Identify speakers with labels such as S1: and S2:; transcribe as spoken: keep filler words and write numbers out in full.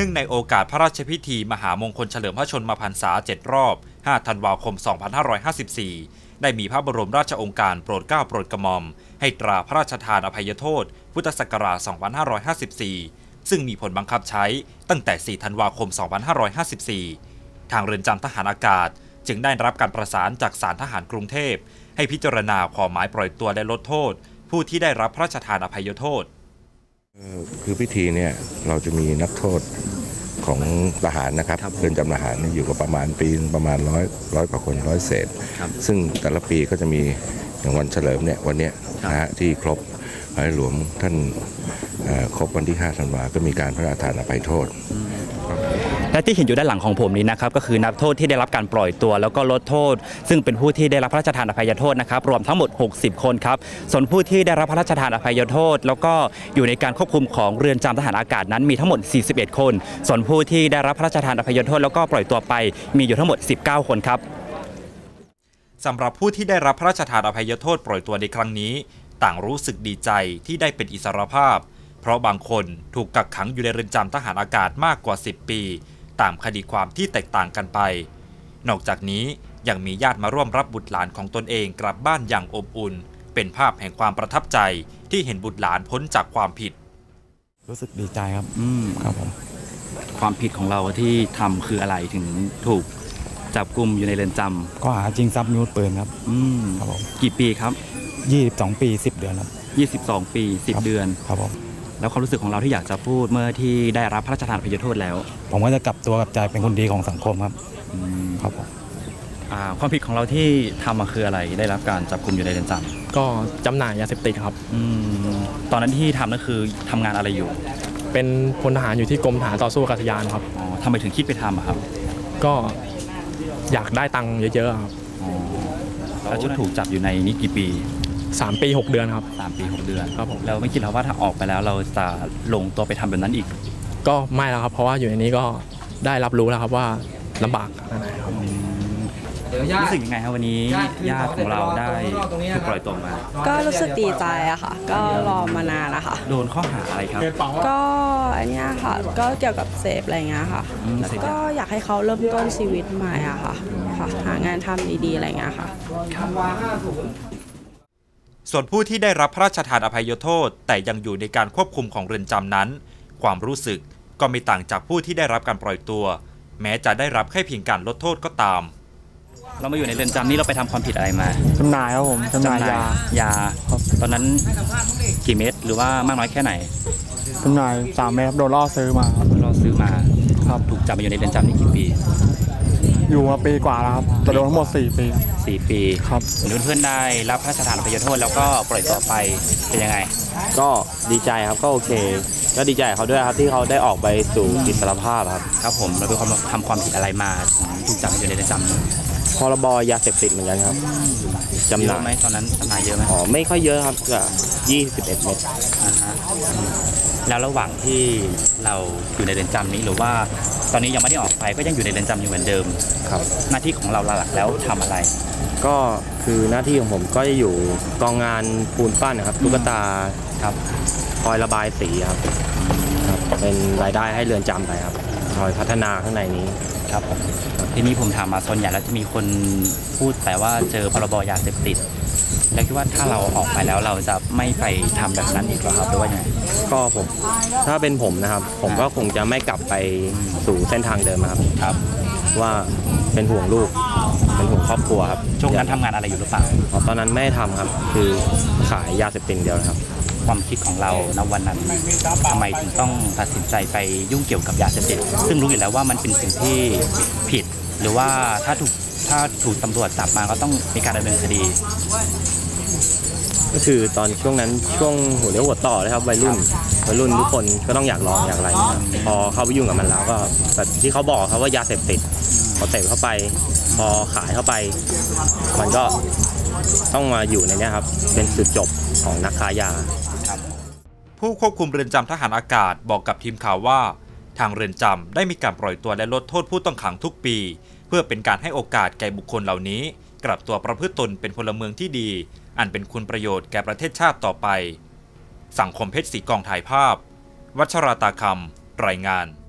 S1: นื่องในโอกาสพระราชพิธีมหามงคลเฉลิมพระชนมพรรษาเจ็ดรอบห้าธันวาคมสองพันห้าร้อยห้าสิบสี่ได้มีพระบรมราชโองการโปรดเกล้าโปรดกระหม่อมให้ตราพระราชทานอภัยโทษพุทธศักราชสองพันห้าร้อยห้าสิบสี่ซึ่งมีผลบังคับใช้ตั้งแต่สี่ธันวาคมสองพันห้าร้อยห้าสิบสี่ทางเรือนจำทหารอากาศจึงได้รับการประสานจากศาลทหารกรุงเทพให้พิจารณาขอหมายปล่อยตัวและลดโทษผู้ที่ได้รับพระราชทานอภัยโทษ
S2: คือพิธีเนี่ยเราจะมีนักโทษของทหารนะครับเรือนจำทหารอยู่กับประมาณปีประมาณร้อยร้อยกว่าคนร้อยเศษซึ่งแต่ละปีก็จะมีอย่างวันเฉลิมเนี่ยวันนี้นะฮะที่ครบในหลวงท่านครบวันที่ห้าธันวาก็มีการพระราชทานอภัยโทษ
S3: และที่เห็นอยู่ด้านหลังของผมนี้นะครับก็คือนักโทษที่ได้รับการปล่อยตัวแล้วก็ลดโทษซึ่งเป็นผู้ที่ได้รับพระราชทานอภัยโทษนะครับรวมทั้งหมดหกสิบคนครับส่วนผู้ที่ได้รับพระราชทานอภัยโทษแล้วก็อยู่ในการควบคุมของเรือนจำทหารอากาศนั้นมีทั้งหมดสี่สิบเอ็ดคนส่วนผู้ที่ได้รับพระราชทานอภัยโทษแล้วก็ปล่อยตัวไปมีอยู่ทั้งหมดสิบเก้าคนครับ
S1: สำหรับผู้ที่ได้รับพระราชทานอภัยโทษปล่อยตัวในครั้งนี้ต่างรู้สึกดีใจที่ได้เป็นอิสรภาพเพราะบางคนถูกกักขังอยู่ในเรือนจำทหารอากาศมากกว่าสิบปีตามคดีความที่แตกต่างกันไปนอกจากนี้ยังมีญาติมาร่วมรับบุตรหลานของตนเองกลับบ้านอย่างอบอุ่นเป็นภาพแห่งความประทับใจที่เห็นบุตรหลานพ้นจากความผิด
S4: รู้สึกดีใจครับอืมครับผม
S3: ความผิดของเราที่ทำคืออะไรถึงถูกจับกุมอยู่ในเรือนจำ
S4: ก็หาจริงทรัพย์มีอาวุธปืนครับ
S3: อืมครับผมกี่ปีครับ
S4: ยี่สิบสองปีสิบเดือนครับ
S3: ยี่สิบสองปีสิบเดือน
S4: ครับผม
S3: แล้วความรู้สึกของเราที่อยากจะพูดเมื่อที่ได้รับพระราชทานอภัยโทษแล้ว
S4: ผมก็จะกลับตัวกลับใจเป็นคนดีของสังคมครับครับผม
S3: ความผิดของเราที่ทำมาคืออะไรได้รับการจับกุมอยู่ในเรือนจ
S5: ำก็จำหน่ายยาเสพติดครับ
S3: ตอนนั้นที่ทำนั่นคือทำงานอะไรอยู่
S5: เป็นพลทหารอยู่ที่กรมทหารต่อสู้อากาศยานครับ
S3: อ๋อทำไมถึงคิดไปทำครับ
S5: ก็อยากได้ตังค์เยอะๆครับ
S3: แล้วจะถูกจับอยู่ในนี้กี่ปี
S5: สามปีหกเดือนครับ
S3: สามปีหกเดือน
S5: ครับผม
S3: เราไม่คิดแล้วว่าถ้าออกไปแล้วเราจะลงตัวไปทำแบบนั้นอีก
S5: ก็ไม่แล้วครับเพราะว่าอยู่ในนี้ก็ได้รับรู้แล้วครับว่าลำบากอะไรครับ
S3: รู้สึกยังไงครับวันนี้ญาติของเราได้ถูกปล่อยตัวมา
S6: ก็รู้สึกดีใจอะค่ะก็รอมานานนะคะ
S3: โดนข้อหาอะไรครับ
S6: ก็อันนี้ค่ะก็เกี่ยวกับเสพอะไรเงี้ยค่ะก็อยากให้เขาเริ่มต้นชีวิตใหม่อะค่ะหางานทำดีๆอะไรเงี้ยค่ะ
S1: ส่วนผู้ที่ได้รับพระราชทานอภัยโทษแต่ยังอยู่ในการควบคุมของเรือนจำนั้นความรู้สึกก็ไม่ต่างจากผู้ที่ได้รับการปล่อยตัวแม้จะได้รับแค่เพียงการลดโทษก็ตาม
S3: เรามาอยู่ในเรือนจำนี้เราไปทำความผิดอะไรมา
S4: จำหน่ายครับผมจำหน่ายย
S3: ายาตอนนั้นกี่เม็ดหรือว่ามากน้อยแค่ไหน
S4: จำหน่ายสามเม็ดโดนล่อซื้อมา
S3: ล่อซื้อมาครับถูกจับมาอยู่ในเรือนจำนี้กี่ปี
S4: อยู่มาปีกว่าแล้วครับโดนทั้งหมดสี่ปี
S3: สี่ปี
S4: ครับ
S3: เพื่อนๆได้รับพระราชทานอภัยโทษแล้วก็ปล่อยตัวไปเป็นยังไง
S7: ก็ดีใจครับก็โอเคก็ดีใจเขาด้วยครับที่เขาได้ออกไปสู่อิสรภาพครับ
S3: ครับผมเราเป็นคนทำความผิดอะไรมาถูกจับอยู่ในเรือนจำ
S7: พรบยาเสพติดเหมือนกันครับจำหน่าย
S3: ไหมตอนนั้นจำหน่ายเยอะไหม
S7: อ๋อไม่ค่อยเยอะครับก็ยี่สิบเอ็ดเม็ด
S3: แล้วระหว่างที่เราอยู่ในเรือนจำนี้หรือว่าตอนนี้ยังไม่ได้ออกไปก็ยังอยู่ในเรือนจำอยู่เหมือนเดิม
S7: ครับ
S3: หน้าที่ของเราหลักแล้วทำอะไร
S7: ก็คือหน้าที่ของผมก็จะอยู่กองงานปูนปั้นนะครับตุ๊กตาครับคอยระบายสีครับเป็นรายได้ให้เรือนจำไปครับคอยพัฒนาข้างในนี้
S3: ครับผมทีนี้ผมถามมาส่วนใหญ่แล้วจะมีคนพูดแต่ว่าเจอพรบยาเสพติดแล้วคิดว่าถ้าเราออกไปแล้วเราจะไม่ไปทำแบบนั้นอีกหรอครับหรือว่าไง
S7: ก็ผมถ้าเป็นผมนะครับผมก็คงจะไม่กลับไปสู่เส้นทางเดิมครับ
S3: ครับ
S7: ว่าเป็นห่วงลูกเป็นห่วงครอบครัวครับ
S3: ช่วงนั้นทำงานอะไรอยู่หรือเปล่า
S7: ตอนนั้นไม่ทำครับคือขายยาเสพติดเดียวครับ
S3: ความคิดของเราณวันนั้นทำไมถึงต้องตัดสินใจไปยุ่งเกี่ยวกับยาเสพติดซึ่งรู้อยู่แล้วว่ามันเป็นสิ่งที่ผิดหรือว่าถ้าถูกถ้าถูกตำรวจจับมาก็ต้องมีการดำเนินคดี
S7: ก็คือตอนช่วงนั้นช่วงหัวเลี้ยวหัวต่อเลยครับวัยรุ่นวัยรุ่นทุกคนก็ต้องอยากลองอยากอะไรพอเข้าไปยุ่งกับมันแล้วก็แบบที่เขาบอกครับว่ายาเสพติดพอเสพเข้าไปพอขายเข้าไปมันก็ต้องมาอยู่ในนี้ครับเป็นจุดจบของนักค้ายา
S1: ผู้ควบคุมเรือนจำทหารอากาศบอกกับทีมข่าวว่าทางเรือนจำได้มีการปล่อยตัวและลดโทษผู้ต้องขังทุกปีเพื่อเป็นการให้โอกาสแก่บุคคลเหล่านี้กลับตัวประพฤติตนเป็นพลเมืองที่ดีอันเป็นคุณประโยชน์แก่ประเทศชาติต่อไปสังคมเพชรศรีกองถ่ายภาพวัชราตาคำรายงาน